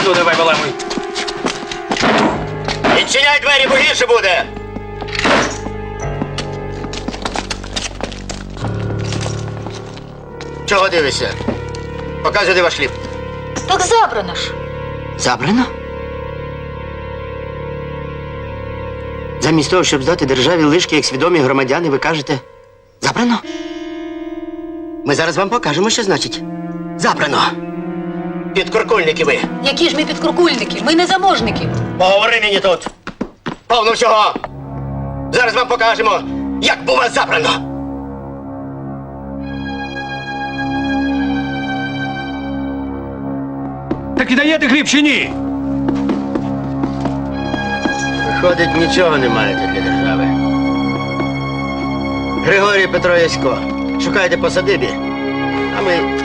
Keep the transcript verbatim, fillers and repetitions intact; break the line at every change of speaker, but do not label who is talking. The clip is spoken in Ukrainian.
Ну, давай, валамуй.
Відчиняй двері, бо гірше буде. Чого дивишся? Показуй, де ваш хліб.
Так забрано ж.
Забрано? Замість того, щоб здати державі лишки, як свідомі громадяни, ви кажете забрано? Ми зараз вам покажемо, що значить забрано. Підкуркульники ви.
Які ж ми підкуркульники? Ми не заможники.
Поговори мені тут. Повно всього. Зараз вам покажемо, як бува забрано.
Так і даєте хліб чи ні?
Виходить, нічого не маєте для держави. Григорій Петро Ясько, шукайте по садибі, а ми